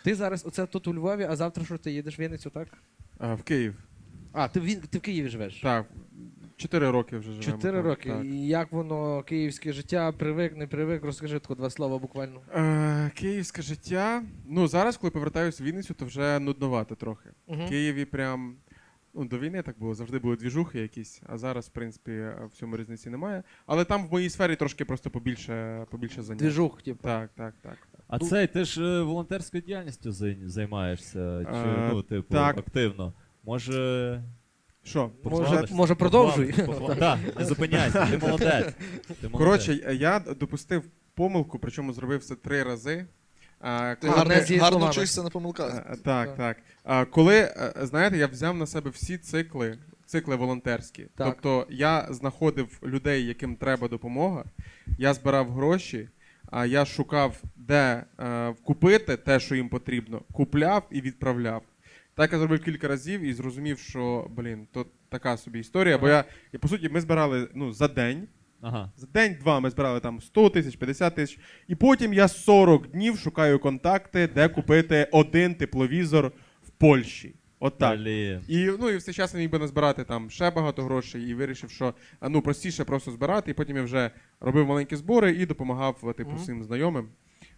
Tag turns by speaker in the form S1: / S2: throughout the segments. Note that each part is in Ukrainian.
S1: Ти зараз оце тут у Львові, а завтра що ти їдеш в Вінницю, так?
S2: В Київ.
S1: А, ти в Києві живеш?
S2: Так, 4 роки вже живемо.
S1: 4 роки.
S2: Так.
S1: І як воно, київське життя, привик, не привик? Розкажи тако 2 слова буквально.
S2: Київське життя. Ну, зараз, коли повертаюся в Вінницю, то вже нудновато трохи. В Києві прям, ну, до війни так було, завжди були двіжухи якісь, а зараз, в принципі, в цьому різниці немає. Але там в моїй сфері трошки просто побільше занять.
S1: Двіжух, типу.
S2: Так.
S3: А цей, ти ж волонтерською діяльністю займаєшся, чи, ну, типу,
S2: так.
S3: активно. Може...
S2: Що?
S1: Може продовжуй.
S3: Так, не зупиняйся, ти молодець.
S2: Коротше, я допустив помилку, причому зробив це 3 рази.
S4: Ти
S1: Амнезії
S4: гарно
S1: словами.
S4: вчишся на помилках.
S2: Так. Коли, знаєте, я взяв на себе всі цикли волонтерські.
S1: Так.
S2: Тобто я знаходив людей, яким треба допомога, я збирав гроші, я шукав, де купити те, що їм потрібно, купляв і відправляв. Так я зробив кілька разів і зрозумів, що, то така собі історія, бо по суті, ми збирали за день.
S3: Ага.
S2: За день-два ми збирали там 100 тисяч, 50 тисяч. І потім я 40 днів шукаю контакти, де купити 1 тепловізор в Польщі. От так. І в цей час я міг би назбирати там ще багато грошей і вирішив, що простіше просто збирати. І потім я вже робив маленькі збори і допомагав всім знайомим.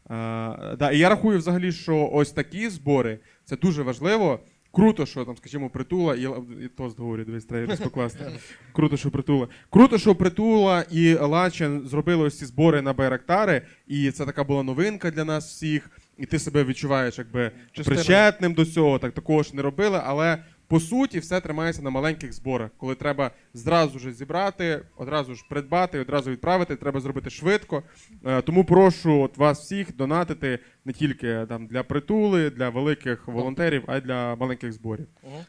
S2: І я рахую взагалі, що ось такі збори – це дуже важливо. Круто, що там, скажімо, Притула і тост говорю, дивись, треба розпокласти. Круто, що Притула і Лачин зробили ось ці збори на Байрактари, і це така була новинка для нас всіх, і ти себе відчуваєш якби причетним до цього, такого ж не робили, але по суті все тримається на маленьких зборах, коли треба зразу ж зібрати, одразу ж придбати, одразу відправити, треба зробити швидко. Тому прошу вас всіх донатити не тільки для Притули, для великих волонтерів, а й для маленьких зборів.